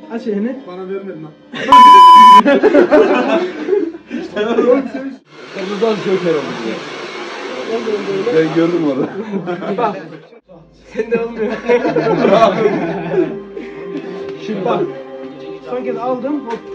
Aç elini. Bana vermedin lan. Kırmızıdan joker oldu ya. Ben gördüm orada. Bak. Sende olmuyor. Şimdi Bak. Son kez aldım. Hop.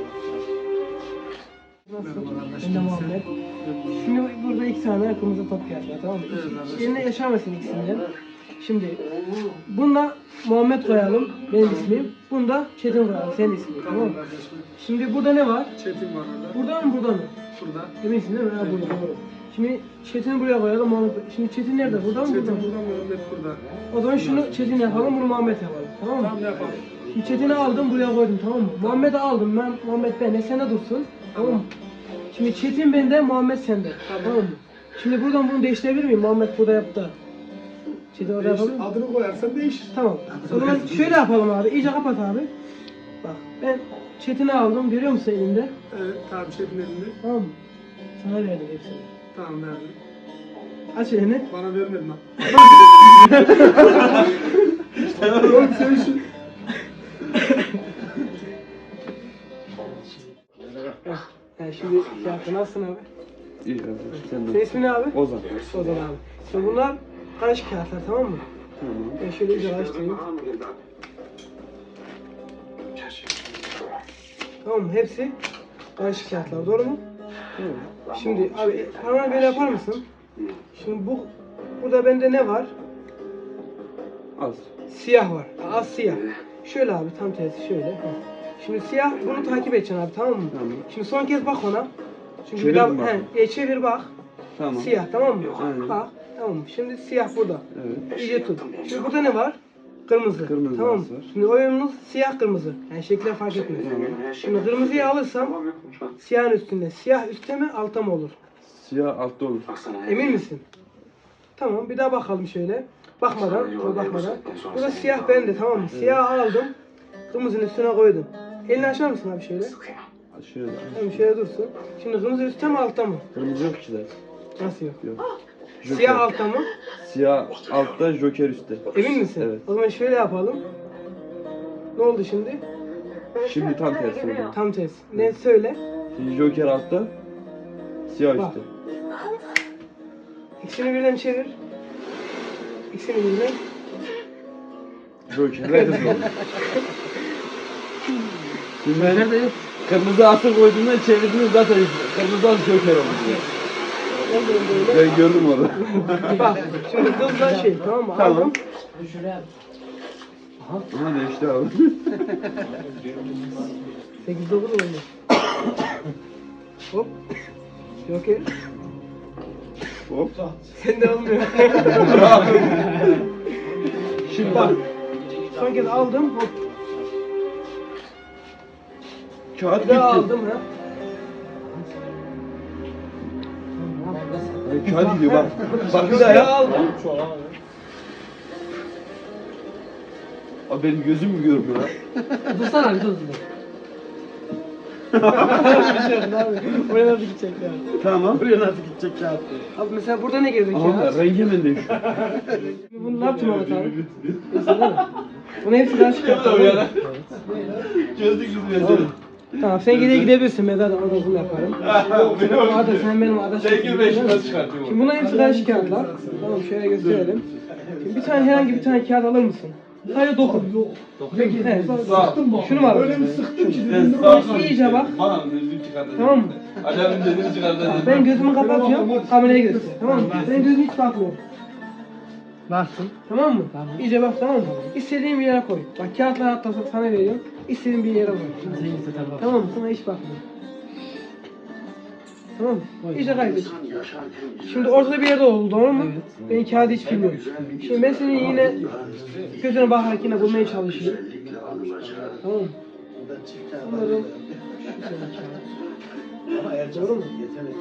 Nasıl? Ben de Muhammed. Şimdi burada 2 tane kırmızı top geldi, tamam mı? Yerine yaşamasın ikisinden. Şimdi bunda Muhammed koyalım, benim ismim. Bunda Çetin koyalım, senin ismin, tamam mı? Şimdi burada ne var? Çetin var orada. Burada mı, burada mı? Burada. Eminsin değil mi? Ha, burada, doğru. Şimdi Çetin'i buraya koyalım, Muhammed. Şimdi Çetin nerede? Burada mı, burada Çetin mı? burada, Muhammed burada. O zaman şunu Çetin yapalım, bunu Muhammed yapalım, tamam mı? Tamam, yapalım. Şimdi Çetin'i aldım, buraya koydum, tamam mı? Muhammed'i aldım, Muhammed bende, sen de dursun, tamam mı? Şimdi Çetin bende, Muhammed sende, tamam mı? Şimdi buradan bunu değiştirebilir miyim? Muhammed burada yaptı. Çetin orada yapalım mı? Adını koyarsan değişir. Tamam. O zaman şöyle yapalım abi, iyice kapat abi. Bak, ben Çetin'i aldım, görüyor musun elinde? Evet, tamam Çetin elinde. Tamam mı? Sana verdim hepsini. Tamam verdim. Aç elini. Bana vermedin lan. Oğlum sen şu... Yani şimdi fiyatı nasılsın abi? İyi abi. Sen Senin de. ismin ne abi? Ozan. Ozan abi. Şimdi bunlar karışık kağıtlar, tamam mı? Tamam. Ben şöyle iyice açtırayım. Tamam mı? Hepsi karışık kağıtlar, doğru mu? Tamam. Şimdi abi parmağını böyle yapar mısın? Şimdi burada bende ne var? Az. Siyah var. Az siyah. Şöyle abi, tam tersi şöyle. Heh. Şimdi siyah, bunu takip edeceksin abi, tamam mı? Tamam. Şimdi son kez bak ona. Çünkü Çevir bir daha mi bakayım? çevir bak. Tamam. Siyah, tamam mı? Aynen. Bak, tamam mı? Şimdi siyah burada. Evet. İyice tut. Şimdi burada ne var? Kırmızı. Kırmızı tamam mı? var. Şimdi oyunumuz siyah kırmızı. Yani şekiller fark etmiyor. Şimdi kırmızıyı alırsam siyahın üstünde. Siyah üstte mi altta mı olur? Siyah altta olur. Emin misin? Tamam, bir daha bakalım şöyle. Bakmadan, bakmadan. Burada siyah bende, tamam mı? Siyah aldım. Kırmızının üstüne koydum. Elini açar mısın abi şöyle? Şöyle. Tamam, şöyle dursun. Şimdi kırmızı üstte mi altta mı? Kırmızı yok ki de. Nasıl yok? Yok. Joker. Siyah altta mı? Siyah altta, joker üstte. Emin misin? Evet. O zaman şöyle yapalım. Ne oldu şimdi? Şimdi tam tersi oldu. Tam tersi. Ne söyle? Şimdi joker altta, siyah Bak. üstte. İkisini birden çevir. İkisini birden. Jokerler hızlı oldu. Şimdi ben kırmızı atı koyduğumda çevirdiğinde zaten kırmızıdan joker oldu. Oldu böyle. Ben gördüm orada. Bak şimdi hızla şey, tamam mı? Tamam. Aldım. Aha değişti abi. 8-9 oldu. Hop. Joker. Hop. Sende olmuyor. Şimdi Bak. Son kez aldım. Hop. kağıt Bir daha gitti. aldım ha. Ay, kağıt gidiyor bak. Bak bir Çok daha iyi yap. aldım. Abi benim gözüm mü görmüyor lan? Dursana bir dur. Oraya nasıl gidecek ya? Tamam. Buraya nasıl gidecek ya? Abi mesela burada ne gelecek Ama ya? rengi hemen değişiyor. Bunu ne yaptın Mehmet abi? Mesela değil mi? Bunu hepsi daha çıkarttım. Çözdük biz meseleyi. Tamam, sen geriye gidebilirsin, ben zaten orada bunu yaparım. Arda, sen benim Arda çıkartıyorum. Şimdi bunların hepsi karışık kağıtlar. Tamam, şöyle gösterelim. Şimdi bir tane, herhangi bir tane kağıt alır mısın? Sadece dokun. Peki, evet. Şunu mu alalım? Öyle mi sıktım ki? İyice bak. Bana gözlük çıkardı. Tamam mı? Adamın dediğini çıkardı. Ben gözümü kapatıyorum, kameraya göster. Tamam mı? Ben gözümü hiç bakmıyorum. Baktım. Tamam mı? İyice bak, tamam mı? İstediğin bir yere koy. Bak kağıtları hatta sana veriyorum. İstediğin bir yere koy. Tamam mı? Sana hiç bakmıyorum. Tamam mı? İyice kaydet. Şimdi ortada bir yerde oldu, doğru mu? Ben kağıdı hiç bilmiyorum. Şimdi ben senin yine gözüne bakarak yine bulmaya çalışayım. Tamam mı? Sanırım doğru mu?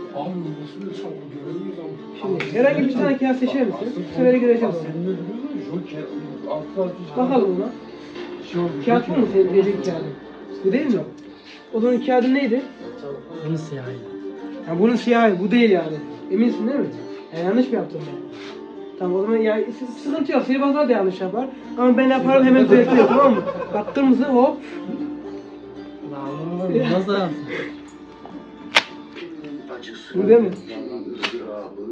Şimdi herhangi bir tane kağıt seçer misin? Bu sefer göreceğiz onu. Bakalım ona. Kağıt bu mu senin dediğin kağıdın? Bu değil mi? O zaman kağıdın neydi? Bunu siyahı. Ya bunun siyahı, bu değil yani. Eminsin değil mi? Yani yanlış mı yaptım ben? Tamam, o zaman yani sıkıntı yok. Sihirbazlar da yanlış yapar. Ama ben yaparım, hemen düzeltiyor, tamam mı? Bak kırmızı, hop. Nasıl yapsın? Bu değil mi?